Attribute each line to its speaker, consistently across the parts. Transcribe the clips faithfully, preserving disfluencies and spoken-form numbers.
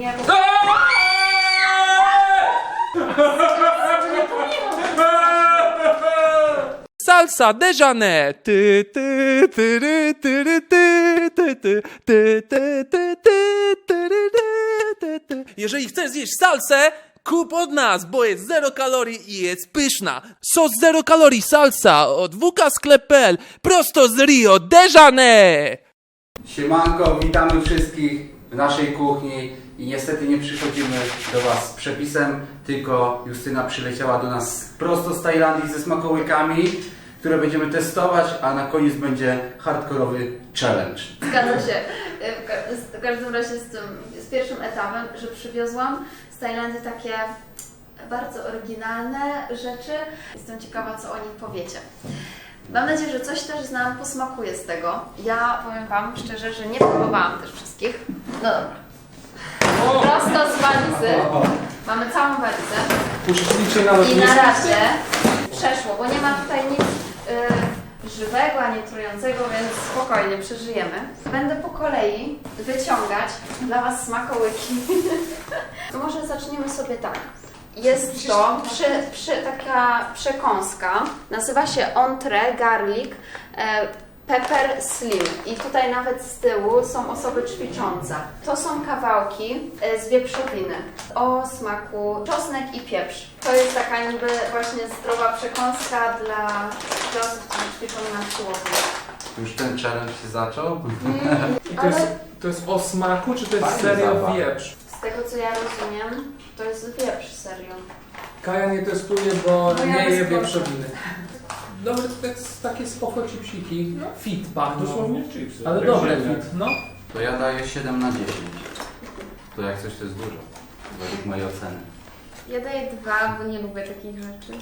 Speaker 1: niejako...
Speaker 2: Salsa déjeuner. Ty, ty, ty, ty, ty, ty, ty, ty, ty, ty, ty, ty, ty, ty, ty. Jeżeli chcesz zjeść salsę, kup od nas, bo jest zero kalorii i jest pyszna. Sos zero kalorii salsa od w k sklep kropka p l prosto z Rio de Janeiro.
Speaker 3: Siemanko, witamy wszystkich w naszej kuchni i niestety nie przychodzimy do Was z przepisem, tylko Justyna przyleciała do nas prosto z Tajlandii ze smakołykami, które będziemy testować, a na koniec będzie hardkorowy challenge.
Speaker 4: Zgadza się. W ka- w każdym razie z tym, z pierwszym etapem, że przywiozłam z Tajlandii takie bardzo oryginalne rzeczy. Jestem ciekawa, co o nich powiecie. Mam nadzieję, że coś też nam posmakuje z tego. Ja powiem Wam szczerze, że nie próbowałam też wszystkich. No dobra. Prosto z walizy. Mamy całą walizę.
Speaker 2: Uczestniczy na
Speaker 4: I na razie przeszło, bo nie ma tutaj nic y, żywego ani trującego, więc spokojnie przeżyjemy. Będę po kolei wyciągać dla Was smakołyki. To może zaczniemy sobie tak. Jest to przy, przy, taka przekąska, nazywa się entrée garlic e, pepper slim i tutaj nawet z tyłu są osoby ćwiczące. To są kawałki e, z wieprzowiny o smaku czosnek i pieprz. To jest taka niby właśnie zdrowa przekąska dla, dla osób, które ćwiczą na siłowni.
Speaker 3: Już ten challenge się zaczął?
Speaker 4: Mm,
Speaker 2: I to jest,
Speaker 4: ale
Speaker 2: to jest o smaku, czy to jest
Speaker 3: Fajny
Speaker 2: serio
Speaker 3: zapach.
Speaker 2: wieprz?
Speaker 4: z tego co ja rozumiem, to jest wieprz, serio.
Speaker 2: Kaja nie testuje, bo
Speaker 1: No ja
Speaker 2: nie je
Speaker 1: bez
Speaker 2: wieprzowiny. Dobre to jest takie spoko chipsiki. Fit pachną.
Speaker 5: Dosłownie chipsy.
Speaker 2: Ale
Speaker 5: Jak
Speaker 2: dobre
Speaker 5: ziemia.
Speaker 2: fit, no.
Speaker 3: To ja daję siedem na dziesięć. To jak coś to jest dużo, według mojej oceny.
Speaker 4: Ja daję dwa, bo nie lubię takich rzeczy.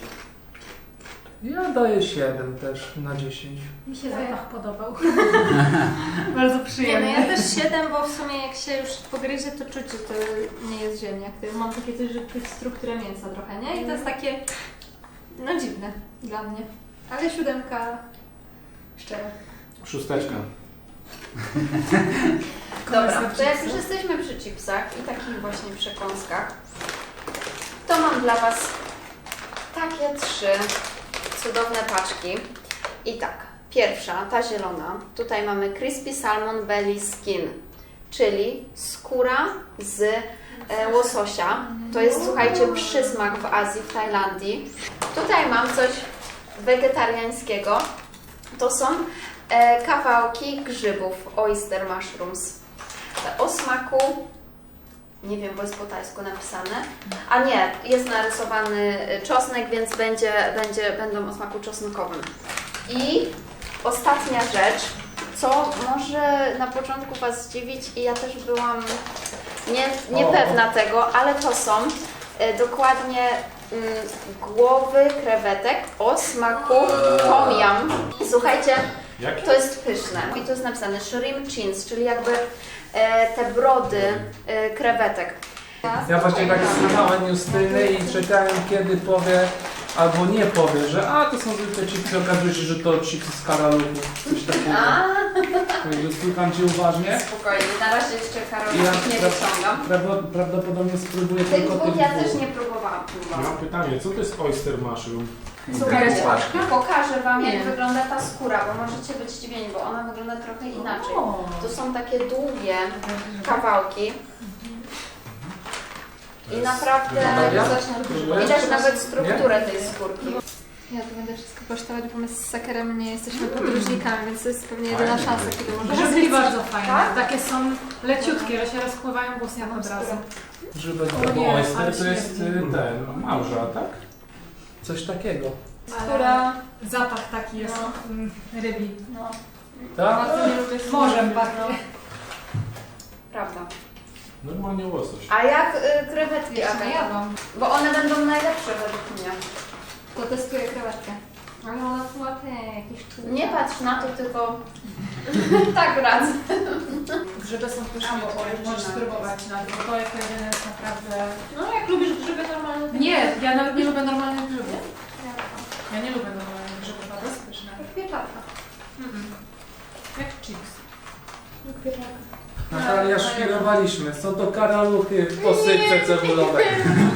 Speaker 2: Ja daję siedem też na dziesięć.
Speaker 1: Mi się zapach podobał. Bardzo
Speaker 6: Nie, no
Speaker 1: przyjemny.
Speaker 6: ja też siedem, bo w sumie jak się już pogryzie, to czuć, że to nie jest ziemniak. To mam takie coś, że czuć strukturę mięsa trochę, nie? I to jest takie, no dziwne dla mnie. Ale siódemka szczera.
Speaker 5: Szósteczka.
Speaker 4: Dobra, to jak już jesteśmy przy chipsach i takich właśnie przekąskach, to mam dla Was takie trzy cudowne paczki. I tak, pierwsza, ta zielona, tutaj mamy Crispy Salmon Belly Skin, czyli skóra z e, łososia. To jest, słuchajcie, przysmak w Azji, w Tajlandii. Tutaj mam coś wegetariańskiego. To są e, kawałki grzybów, oyster mushrooms. O smaku, nie wiem, bo jest po tajsku napisane, a nie, jest narysowany czosnek, więc będzie, będzie, będą o smaku czosnkowym. I ostatnia rzecz, co może na początku Was zdziwić i ja też byłam nie, niepewna tego, ale to są e, dokładnie mm, głowy krewetek o smaku tom yum. Słuchajcie,
Speaker 5: Jakie?
Speaker 4: to jest pyszne i tu jest napisane shrimp chins, czyli jakby e, te brody e, krewetek.
Speaker 2: Ja właśnie tak słuchałem Justyny i czekałem, kiedy powie, albo nie powie, że a to są zwykłe chipsy, okazuje się, że to chipsy z karaluchu. Coś takiego. Także słucham Cię uważnie.
Speaker 4: Spokojnie, na razie jeszcze Karol
Speaker 2: Ja
Speaker 4: nie
Speaker 2: pra-
Speaker 4: wyciągam.
Speaker 2: Prawdo- Prawdopodobnie spróbuję
Speaker 4: Tych
Speaker 2: tylko
Speaker 4: dwóch
Speaker 2: tych
Speaker 4: ja
Speaker 2: dwóch.
Speaker 4: też nie próbowałam. próbowałam.
Speaker 5: Mam pytanie, co to jest oyster mushroom?
Speaker 4: Słuchajcie,
Speaker 3: Paczki.
Speaker 4: pokażę Wam, jak
Speaker 6: Nie.
Speaker 4: wygląda ta skóra, bo możecie być zdziwieni, bo ona wygląda trochę inaczej. To są takie długie kawałki i naprawdę widać nawet strukturę tej skórki.
Speaker 6: Ja to będę wszystko kosztować, bo my z Sakerem nie jesteśmy podróżnikami, więc to jest pewnie jedyna szansa, kiedy możemy
Speaker 1: Grzybki bardzo fajne.
Speaker 4: Tak?
Speaker 1: Takie są leciutkie, że się rozpływają w ustach od razu.
Speaker 2: Grzybek
Speaker 1: O
Speaker 2: to
Speaker 1: nie, ale
Speaker 5: Oyster to jest y,
Speaker 1: śmierdzi.
Speaker 5: ten, małża, tak?
Speaker 2: coś takiego.
Speaker 6: Która...
Speaker 1: Zapach taki jest mm, rybi.
Speaker 4: No,
Speaker 2: Tak?
Speaker 4: bardzo nie lubię
Speaker 1: Morzem
Speaker 4: skórki,
Speaker 1: pachnie.
Speaker 4: no. Prawda.
Speaker 5: Normalnie łosoś.
Speaker 4: A jak y, krewetki,
Speaker 6: Jeszcze nie
Speaker 4: Aga?
Speaker 6: jadłam.
Speaker 4: Bo one będą najlepsze według mnie.
Speaker 6: To testuję krewetkę. Ale ona była te jakieś czułka.
Speaker 4: Nie patrz na to, tylko tak radzę.
Speaker 1: Grzyby są pyszne,
Speaker 4: A, bo
Speaker 1: bo
Speaker 4: oryginalne
Speaker 1: możesz spróbować na to, bo to jako jedyne jest naprawdę...
Speaker 6: No jak lubisz grzyby normalne, to
Speaker 1: Nie, ja nawet nie lubię normalnych grzybów. Ja nie lubię normalnych grzybów, a to jest pyszne.
Speaker 6: Jak pieczarka.
Speaker 1: Mm-mm. Jak chips.
Speaker 6: Jak pieczarka.
Speaker 2: Natalia, szpilowaliśmy. Są to karaluchy w posypce cebulowej.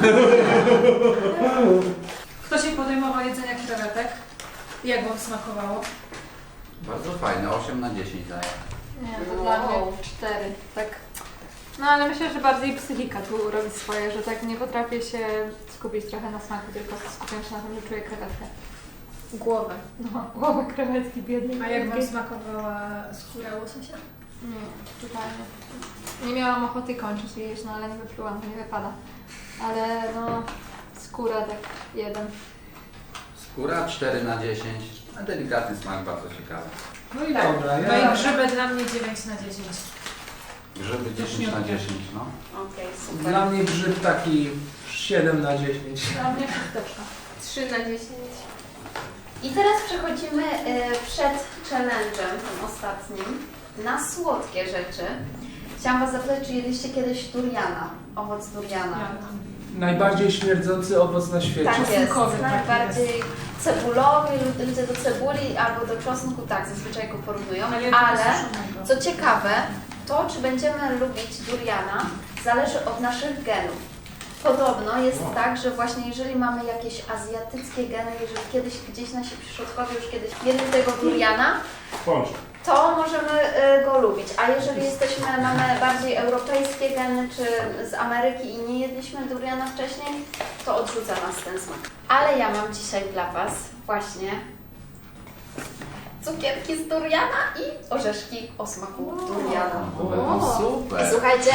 Speaker 1: Kto się podejmował jedzenia krewetek? Jak wam smakowało?
Speaker 3: Bardzo fajne, osiem na dziesięć daję.
Speaker 6: Nie, to dla mnie cztery, tak. No ale myślę, że bardziej psychika tu robi swoje, że tak nie potrafię się skupić trochę na smaku, tylko skupiam się na tym, że czuję krewetkę.
Speaker 4: Głowę.
Speaker 6: No, głowę krewetki biednej.
Speaker 1: A jak wam
Speaker 6: krewetki.
Speaker 1: smakowała skóra łososia?
Speaker 6: Nie, totalnie. Nie miałam ochoty kończyć jeść, no ale nie wyplułam, to nie wypada. Ale no, skóra tak jeden.
Speaker 3: Skóra cztery na dziesięć, a delikatny smak, bardzo ciekawy.
Speaker 2: No i
Speaker 1: Tak.
Speaker 2: dobra,
Speaker 1: No
Speaker 2: ja...
Speaker 1: i grzyby dla mnie dziewięć na dziesięć.
Speaker 3: Grzyby dziesięć na dziesięć, no.
Speaker 4: Okej, super.
Speaker 2: Dla mnie grzyb taki siedem na dziesięć.
Speaker 1: Dla mnie szósteczka.
Speaker 4: trzy na dziesięć. I teraz przechodzimy y, przed challenge'em, tym ostatnim, na słodkie rzeczy. Chciałam Was zapytać, czy jedliście kiedyś duriana, owoc duriana?
Speaker 2: Najbardziej śmierdzący owoc na świecie.
Speaker 4: Tak jest,
Speaker 1: Czosnkowy, tak
Speaker 4: najbardziej cebulowy, lud- ludzie do cebuli albo do czosnku, tak, zazwyczaj go porównują, ale co ciekawe, to czy będziemy lubić duriana zależy od naszych genów. Podobno jest
Speaker 5: Wow.
Speaker 4: tak, że właśnie jeżeli mamy jakieś azjatyckie geny, jeżeli kiedyś gdzieś nasi przodkowie już kiedyś jedli tego duriana,
Speaker 5: Pączek.
Speaker 4: to możemy y, go lubić. A jeżeli jesteśmy, mamy bardziej europejskie geny, czy z Ameryki i nie jedliśmy duriana wcześniej, to odrzuca nas ten smak. Ale ja mam dzisiaj dla Was właśnie cukierki z duriana i orzeszki o smaku duriana.
Speaker 3: O, super.
Speaker 4: Słuchajcie,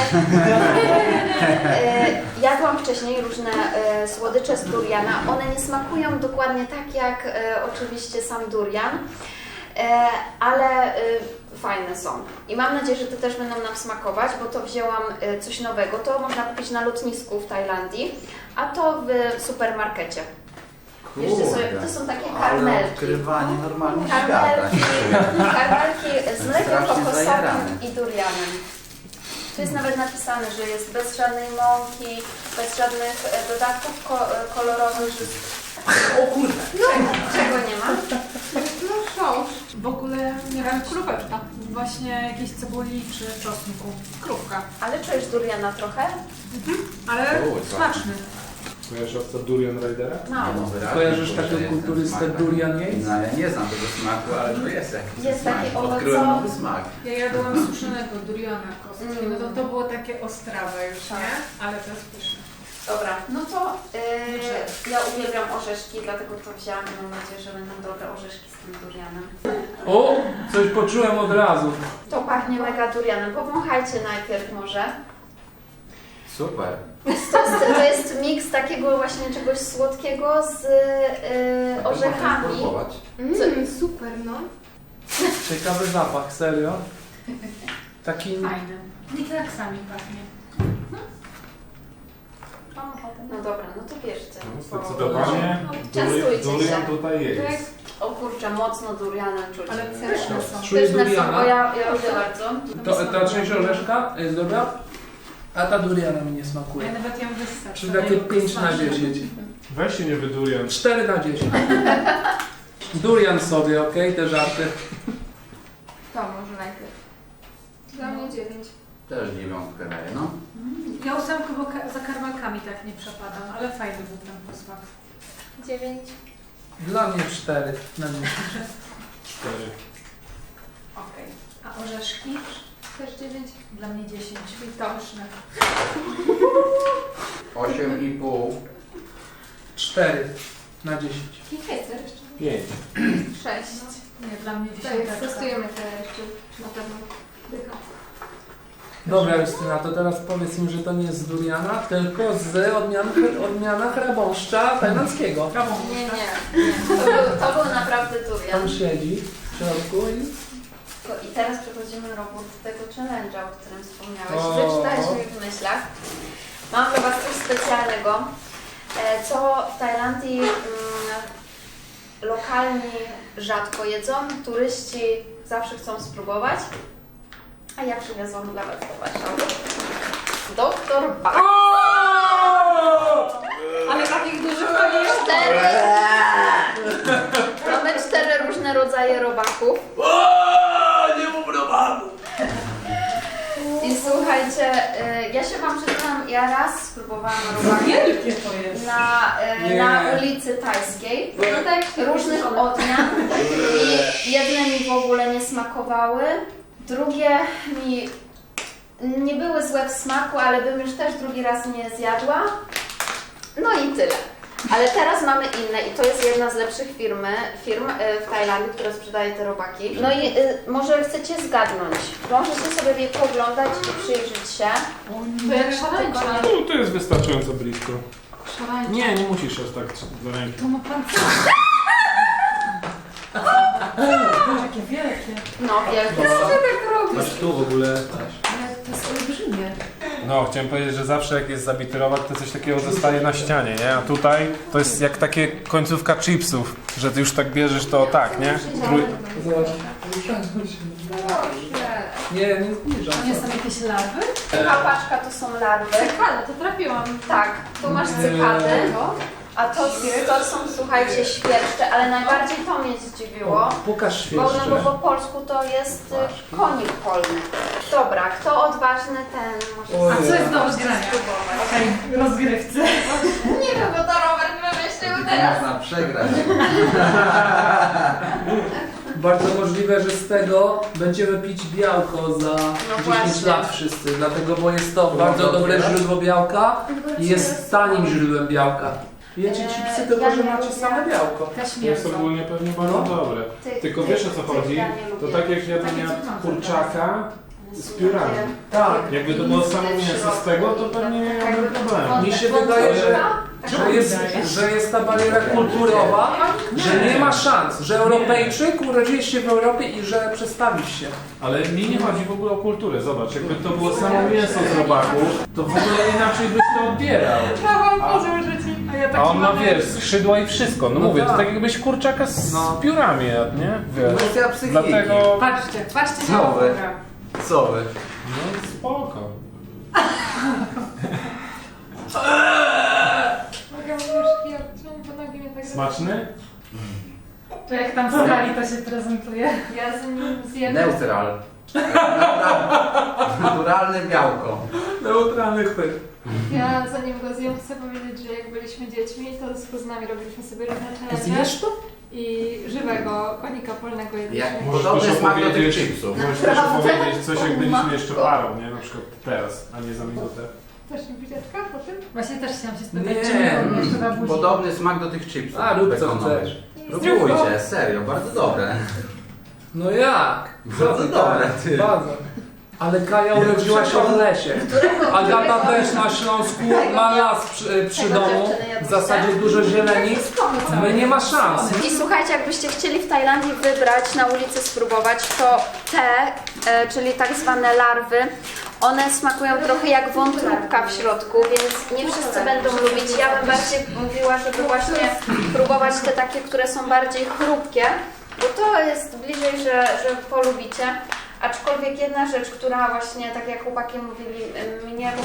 Speaker 4: e, jadłam wcześniej różne e, słodycze z duriana. One nie smakują dokładnie tak jak e, oczywiście sam durian, e, ale e, fajne są. I mam nadzieję, że te też będą nam smakować, bo to wzięłam e, coś nowego. To można kupić na lotnisku w Tajlandii, a to w supermarkecie. Jeszcze sobie, to są takie
Speaker 3: Ale
Speaker 4: karmelki.
Speaker 3: odkrywanie normalnie świata.
Speaker 4: Karmelki, karmelki z mlekiem
Speaker 3: Strasznie
Speaker 4: kokosowym
Speaker 3: zajarany.
Speaker 4: i durianem. Tu jest nawet napisane, że jest bez żadnej mąki, bez żadnych e, dodatków ko e, kolorowych. Że... O kurde! Czego, czego nie ma?
Speaker 6: No sząż.
Speaker 1: W ogóle nie wiem,
Speaker 6: Króweczka.
Speaker 1: właśnie jakiejś cebuli czy czosnku. Krówka.
Speaker 4: Ale czujesz duriana trochę?
Speaker 1: Ale
Speaker 3: O, co?
Speaker 1: smaczny.
Speaker 5: Kojarzysz owca Durian Ridera?
Speaker 4: Mało.
Speaker 3: No, wyraźnie
Speaker 2: Kojarzysz
Speaker 3: czuć, że
Speaker 2: taką
Speaker 3: jest ten
Speaker 2: kulturystę
Speaker 3: smak.
Speaker 2: Durian Yates?
Speaker 3: No, ja nie znam tego smaku, ale to jest jakiś
Speaker 4: Jest
Speaker 3: smak.
Speaker 4: taki
Speaker 3: Odkryłem
Speaker 4: owocowy.
Speaker 3: nowy smak.
Speaker 1: Ja jadłam suszonego duriana kostki.
Speaker 4: Mm.
Speaker 1: No to, to było takie ostrawe już,
Speaker 4: Tak.
Speaker 1: nie? Ale to jest pyszne.
Speaker 4: Dobra, no to yy, ja uwielbiam orzeszki, dlatego to wzięłam i mam nadzieję, że będą dobre orzeszki z tym durianem.
Speaker 2: O, coś poczułem od razu.
Speaker 4: To pachnie mega durianem. Powąchajcie najpierw może.
Speaker 3: Super.
Speaker 4: To jest, to jest miks takiego właśnie czegoś słodkiego z yy, orzechami.
Speaker 3: Można spróbować.
Speaker 4: Mm, super, no.
Speaker 2: Ciekawy zapach, serio. Taki...
Speaker 1: Fajne. Nie tak sami pachnie.
Speaker 4: Mam ochotę. No dobra, no to bierzcie.
Speaker 5: No, zdecydowanie
Speaker 4: Częstujcie
Speaker 5: Duri- Durian
Speaker 4: się.
Speaker 5: tutaj jest.
Speaker 4: O kurczę, mocno durianem czuć.
Speaker 1: Ale pyszne są.
Speaker 2: Czujesz
Speaker 4: Pyszne są, bo
Speaker 2: duriana?
Speaker 4: ja, ja lubię bardzo.
Speaker 2: To, ta część orzeszka jest dobra, a ta duriana mi nie
Speaker 1: Ja
Speaker 2: smakuje.
Speaker 1: nawet ją wyssać.
Speaker 2: Czyli takie pięć na dziesięć.
Speaker 5: Weź się nie wydurian.
Speaker 2: cztery na dziesięć. Durian sobie, okej, te żarty.
Speaker 6: To może najpierw. Dla mnie dziewięć.
Speaker 3: Też dziewiątkę daję, no.
Speaker 1: Ja ósemkę, bo ka- za karmelkami tak nie przepadam, ale fajny był ten posmak.
Speaker 6: Dziewięć.
Speaker 2: Dla mnie cztery na dziesięć.
Speaker 5: Cztery.
Speaker 1: Okej. A orzeszki?
Speaker 6: Też dziewięć.
Speaker 1: Dla mnie dziesięć. Pyszne.
Speaker 3: Osiem i pół.
Speaker 2: cztery na dziesięć.
Speaker 6: Kichecer jeszcze.
Speaker 5: Pięć.
Speaker 6: Sześć.
Speaker 1: Nie, dla mnie
Speaker 6: Tak,
Speaker 1: dziesiąteczka.
Speaker 6: testujemy te jeszcze, czy na pewno dycha.
Speaker 2: Dobra Justyna, to teraz powiedz mi, że to nie jest z duriana, tylko z odmian, odmiana chrabąszcza tajlandzkiego.
Speaker 6: Nie, nie.
Speaker 4: To był, to był naprawdę durian.
Speaker 2: Tam siedzi w środku i...
Speaker 4: I teraz przechodzimy robót do tego challenge'a, o którym wspomniałeś.
Speaker 2: O.
Speaker 4: Wyczytałeś mi w myślach. Mam dla Was coś specjalnego, e, co w Tajlandii mm, lokalni rzadko jedzą, turyści zawsze chcą spróbować. A ja przywiozłam dla Was do Warszawy. Doktor Bak.
Speaker 6: Ale takich dużych to nie jest.
Speaker 4: Cztery. Mamy cztery różne rodzaje robaków.
Speaker 2: Nie mów robaku!
Speaker 4: I Słuchajcie, y, ja się wam przyznam, ja raz spróbowałam robaki
Speaker 1: Wielkie to jest.
Speaker 4: na, y,
Speaker 2: Nie.
Speaker 4: na ulicy Tajskiej. No tak, różnych odmian. I jedne mi w ogóle nie smakowały, drugie mi nie były złe w smaku, ale bym już też drugi raz nie zjadła. No i tyle. Ale teraz mamy inne i to jest jedna z lepszych firmy, firm y, w Tajlandii, która sprzedaje te robaki. No i y, może chcecie zgadnąć. Możecie sobie je poglądać i przyjrzeć się.
Speaker 6: To jak szarańcza.
Speaker 5: No, to jest wystarczająco blisko.
Speaker 6: Szarańcza.
Speaker 5: Nie, nie musisz aż tak za rękę.
Speaker 1: To ma pan co? Takie wielkie.
Speaker 4: No, wielkie.
Speaker 6: Co tak robisz?
Speaker 5: Masz tu w ogóle.
Speaker 1: Ale to jest olbrzymie.
Speaker 5: No, chciałem powiedzieć, że zawsze jak jest zabity robak, to coś takiego zostaje na ścianie, nie? A tutaj to jest jak takie końcówka chipsów, że ty już tak bierzesz to tak, nie? Trój...
Speaker 2: Zobacz. Nie, nie zbliżam.
Speaker 1: To nie są jakieś larwy?
Speaker 4: Ta paczka to są larwy.
Speaker 6: Cykada, to trafiłam.
Speaker 4: Tak, tu masz cykady, a to, to są, słuchajcie, świerszcze, ale najbardziej to mnie zdziwiło.
Speaker 2: Pokaż
Speaker 4: Bo, no,
Speaker 2: świeższe.
Speaker 4: bo po polsku to jest y, konik polny. Dobra, kto odważny, ten może
Speaker 2: Ojej.
Speaker 1: A co jest do rozgrania?
Speaker 4: spróbować.
Speaker 1: W tej rozgrywce.
Speaker 4: Nie wiem, bo to Robert wymyślił teraz.
Speaker 3: Można przegrać.
Speaker 2: Bardzo możliwe, że z tego będziemy pić białko za dziesięć
Speaker 4: właśnie.
Speaker 2: lat wszyscy, dlatego, bo jest to bardzo dobre źródło białka i jest tanim źródłem białka. Jecie chipsy,
Speaker 4: Eee,
Speaker 2: tylko
Speaker 4: ja
Speaker 2: że
Speaker 4: nie
Speaker 2: macie
Speaker 4: lubię.
Speaker 2: same białko.
Speaker 1: Też
Speaker 5: To jest
Speaker 1: mięso.
Speaker 5: ogólnie pewnie bardzo
Speaker 2: No.
Speaker 5: dobre.
Speaker 4: Ty-
Speaker 5: Tylko
Speaker 4: ty-
Speaker 5: wiesz o co
Speaker 4: ty-
Speaker 5: chodzi?
Speaker 4: ja nie
Speaker 5: To
Speaker 4: lubię.
Speaker 5: tak jak jadłem
Speaker 1: Takie
Speaker 5: ja
Speaker 1: co mam
Speaker 5: kurczaka z piórami.
Speaker 2: Tak.
Speaker 5: Jakby to było samo mięso z tego, to pewnie nie miałbym problemu.
Speaker 2: Mi się wydaje, że, że, jest, że jest ta bariera kulturowa, że nie ma szans, że Europejczyk urodziłeś się w Europie i że przestawisz się.
Speaker 5: Ale mi nie chodzi w ogóle o kulturę. Zobacz, jakby to było samo mięso z robaku, to w ogóle inaczej byś to odbierał.
Speaker 6: Prawą pozór życi. A ja
Speaker 5: A
Speaker 6: taki
Speaker 5: on ma,
Speaker 6: mamy-
Speaker 5: wiesz, skrzydła i wszystko. No,
Speaker 2: No
Speaker 5: mówię, to
Speaker 2: tak.
Speaker 5: tak jakbyś kurczaka z
Speaker 2: No.
Speaker 5: piórami jadł, nie? Wiesz.
Speaker 3: Kwestia psychiki.
Speaker 5: Dlatego...
Speaker 1: Patrzcie, patrzcie
Speaker 3: Co
Speaker 1: na
Speaker 3: wy?
Speaker 1: ogórę.
Speaker 3: Co wy?
Speaker 5: No spoko.
Speaker 6: Mogę już ja, czemu nogi mnie tak
Speaker 5: Smaczny?
Speaker 1: To jak tam w skali to się prezentuje.
Speaker 6: Ja z nim zjem.
Speaker 3: Neutral. Naturalne białko.
Speaker 2: Neutralny chwyt.
Speaker 6: Ja zanim go zjem, chcę powiedzieć, że jak byliśmy dziećmi, to z nami robiliśmy sobie różne challenge.
Speaker 2: Zjesz to?
Speaker 6: I żywego konika polnego
Speaker 3: Jak
Speaker 6: jedliśmy.
Speaker 5: Możesz
Speaker 3: podobny
Speaker 5: też
Speaker 3: smak do tych
Speaker 5: opowiedzieć-
Speaker 3: chipsów.
Speaker 5: Możesz też opowiedzieć coś, jak byliśmy jeszcze parą, nie? Na przykład teraz, a nie za minutę.
Speaker 6: Też mi buziaczka po tym?
Speaker 1: Właśnie też chciałam się spytać,
Speaker 2: Nie,
Speaker 1: czy mi jeszcze na buzi.
Speaker 3: Podobny smak do tych chipsów.
Speaker 2: A, rób co
Speaker 3: bekonowych.
Speaker 2: chcesz.
Speaker 3: Próbujcie, serio, bardzo dobre.
Speaker 2: No jak?
Speaker 3: Bardzo dobre, ty.
Speaker 2: Bardzo. Ale Kaja urodziła się w lesie. Agata też na Śląsku ma las przy, przy
Speaker 4: Tego
Speaker 2: domu.
Speaker 4: dziewczyny jadłyście?
Speaker 2: W zasadzie dużo zieleni. My nie ma szans.
Speaker 4: I słuchajcie, jakbyście chcieli w Tajlandii wybrać, na ulicy spróbować, to te, e, czyli tak zwane larwy, one smakują trochę jak wątróbka w środku, więc nie wszyscy będą lubić. Ja bym bardziej mówiła, żeby właśnie próbować te takie, które są bardziej chrupkie, bo to jest bliżej, że, że polubicie. Aczkolwiek jedna rzecz, która właśnie, tak jak chłopaki mówili, em, mnie...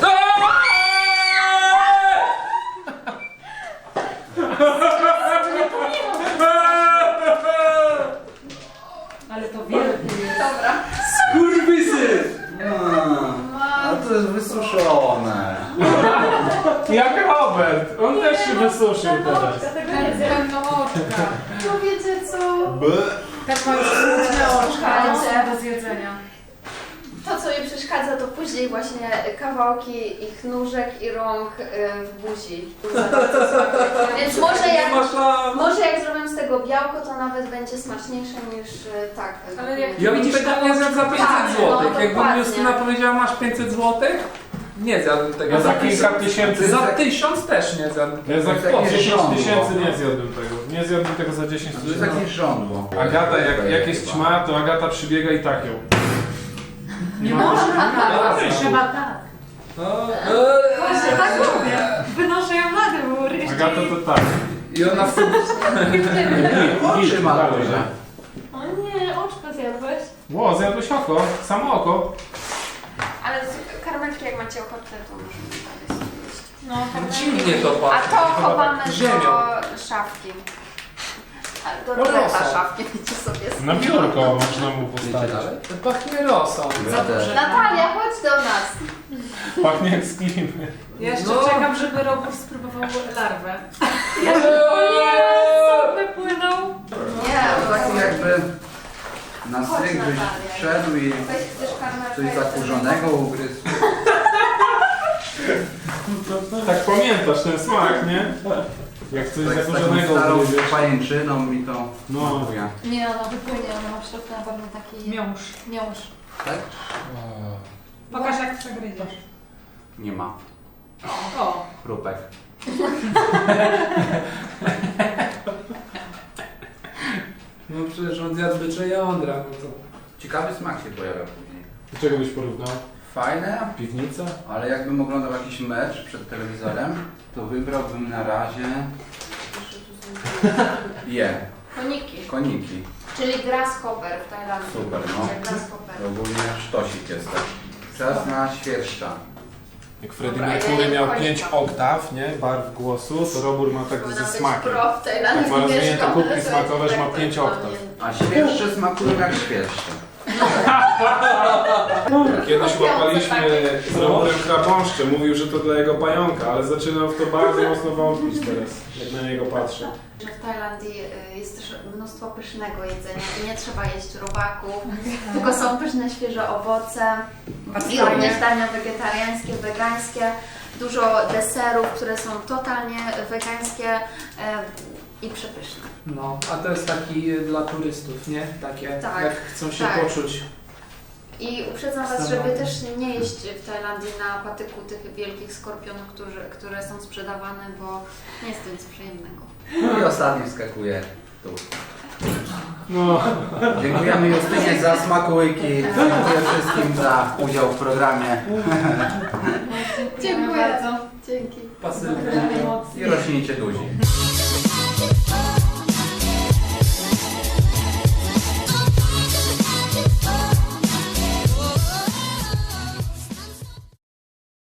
Speaker 1: Ale to wielkie jest.
Speaker 4: Dobra.
Speaker 2: Skurwysy!
Speaker 3: A to jest wysuszone.
Speaker 5: Jak Robert! On też się wysuszył teraz.
Speaker 6: Dlatego
Speaker 1: Tak
Speaker 6: nie zjem.
Speaker 1: pełno oczka.
Speaker 4: No wiecie co?
Speaker 1: Tak ma już smutne oczka
Speaker 4: Słuchajcie.
Speaker 1: do zjedzenia.
Speaker 4: To, co mi przeszkadza, to później właśnie kawałki ich nóżek i rąk y, w buzi. Więc może
Speaker 2: Nie
Speaker 4: jak,
Speaker 2: ma szans.
Speaker 4: może jak zrobię z tego białko, to nawet będzie smaczniejsze niż y, tak.
Speaker 1: Ale jak
Speaker 2: Ja bym
Speaker 1: widzisz
Speaker 2: tego
Speaker 1: na
Speaker 2: nie zjadł za
Speaker 4: Tak,
Speaker 2: pięćset
Speaker 4: no,
Speaker 2: złotych. Jakby
Speaker 4: dokładnie.
Speaker 2: mi Justyna powiedziała, masz pięćset złotych? Nie zjadłbym tego.
Speaker 5: Ja za kilka tysięcy...
Speaker 2: Za tysiąc też nie zjadłbym.
Speaker 5: Ja za
Speaker 3: To jest takie
Speaker 5: dziesięć
Speaker 3: żądło.
Speaker 5: tysięcy nie zjadłbym tego. Nie zjadłbym tego za dziesięć
Speaker 3: To jest
Speaker 5: tysięcy.
Speaker 3: takie żądło.
Speaker 5: Agata, jak, jak jest ćma, to Agata przybiega i tak ją.
Speaker 1: Nie można,
Speaker 5: tak.
Speaker 1: trzeba tak.
Speaker 2: No,
Speaker 6: Właśnie tak robię. Wynoszę ją na dwór. jeszcze
Speaker 5: Agata
Speaker 6: jej-
Speaker 5: to tak.
Speaker 2: I ona wtedy...
Speaker 3: Oczy ma
Speaker 5: dalej.
Speaker 3: duże.
Speaker 6: O nie, oczko zjadłeś.
Speaker 5: Ło, zjadłeś oko. Samo oko.
Speaker 4: Ale z- karmelki, jak macie ochotę, to możemy dalej sobie jeść.
Speaker 6: No, tak
Speaker 2: Dziwnie to
Speaker 4: A
Speaker 2: pachnie.
Speaker 4: to chowamy
Speaker 2: ziemią.
Speaker 4: do szafki. Ale to roleta szafki, wiecie sobie.
Speaker 5: Na biurko można mu
Speaker 2: Wiecie
Speaker 5: postawić.
Speaker 2: dalej? To pachnie rosą.
Speaker 3: Ja też.
Speaker 4: Natalia, chodź do nas.
Speaker 5: Pachnie jak z klimy.
Speaker 1: Ja jeszcze
Speaker 2: No.
Speaker 1: czekam, żeby robór spróbował larwę. Wypłynął.
Speaker 4: Nie,
Speaker 3: To taki jakby na
Speaker 4: Chodź,
Speaker 3: stryk byś
Speaker 4: Natalia.
Speaker 3: wszedł i
Speaker 4: weź chcesz karmel.
Speaker 3: coś zakurzonego ugryzł.
Speaker 5: Tak pamiętasz ten smak, nie? Jak coś
Speaker 3: Tak z taką
Speaker 5: zakurzonego
Speaker 3: starą
Speaker 5: ugryziesz.
Speaker 3: pajęczyną mi to
Speaker 5: No.
Speaker 3: smakuje.
Speaker 6: Nie, ona wypłynie, ona ma w środku na pewno taki
Speaker 1: Miąż.
Speaker 6: miąższ.
Speaker 3: Tak?
Speaker 1: Pokaż jak przegryziesz.
Speaker 3: Nie ma.
Speaker 1: O.
Speaker 3: Chrupek.
Speaker 2: No przecież on zjadł bycze jądra. No to...
Speaker 3: Ciekawy smak się pojawia później.
Speaker 5: Do czego byś porównał?
Speaker 3: Fajne,
Speaker 5: Piwnica?
Speaker 3: ale jakbym oglądał jakiś mecz przed telewizorem, to wybrałbym na razie je,
Speaker 4: Koniki.
Speaker 3: koniki.
Speaker 4: Czyli grasshopper w Tajlandii.
Speaker 3: Super, no.
Speaker 4: Grasshopper.
Speaker 3: To ogólnie sztosik jest tak. Czas na świerszcza.
Speaker 5: Jak Freddie
Speaker 4: Dobra,
Speaker 5: Mercury
Speaker 4: ja
Speaker 5: miał
Speaker 4: kończę.
Speaker 5: pięć oktaw, nie? Barw głosu, to Robór ma tak
Speaker 4: Powinna
Speaker 5: ze
Speaker 4: być
Speaker 5: smakiem.
Speaker 4: pro w Tajlandii,
Speaker 5: Jak ma rozwinięte
Speaker 4: mieszkam,
Speaker 5: kubki
Speaker 4: ale to
Speaker 5: smakowe,
Speaker 4: jest
Speaker 5: że ma
Speaker 4: tak
Speaker 5: pięć
Speaker 4: totalnie-
Speaker 5: oktaw.
Speaker 3: A świerszcze smakują jak świerszcze.
Speaker 5: Kiedyś
Speaker 4: Kupiące
Speaker 5: łapaliśmy
Speaker 4: takie.
Speaker 5: z Roborem krabąszcze, mówił, że to dla jego pająka, ale zaczynam w to bardzo mocno wątpić teraz, jak na niego patrzę.
Speaker 4: Że w Tajlandii y, jest też mnóstwo pysznego jedzenia i nie trzeba jeść robaków, tylko są pyszne, świeże owoce i również dania wegetariańskie, wegańskie, dużo deserów, które są totalnie wegańskie y, i przepyszne.
Speaker 2: No, a to jest taki y, dla turystów, nie? Takie,
Speaker 4: Tak,
Speaker 2: jak chcą się
Speaker 4: tak.
Speaker 2: poczuć.
Speaker 4: I uprzedzam Was,
Speaker 2: Standardy.
Speaker 4: żeby też nie jeść w Tajlandii na patyku tych wielkich skorpionów, którzy, które są sprzedawane, bo nie jest to nic przyjemnego.
Speaker 3: I ostatni wskakuje tu.
Speaker 5: No.
Speaker 3: Dziękujemy Justynie za smakołyki. Dziękuję wszystkim za udział w programie.
Speaker 6: Dziękuję bardzo.
Speaker 4: Dzięki.
Speaker 2: Pasywnie.
Speaker 3: I rośnijcie duzi.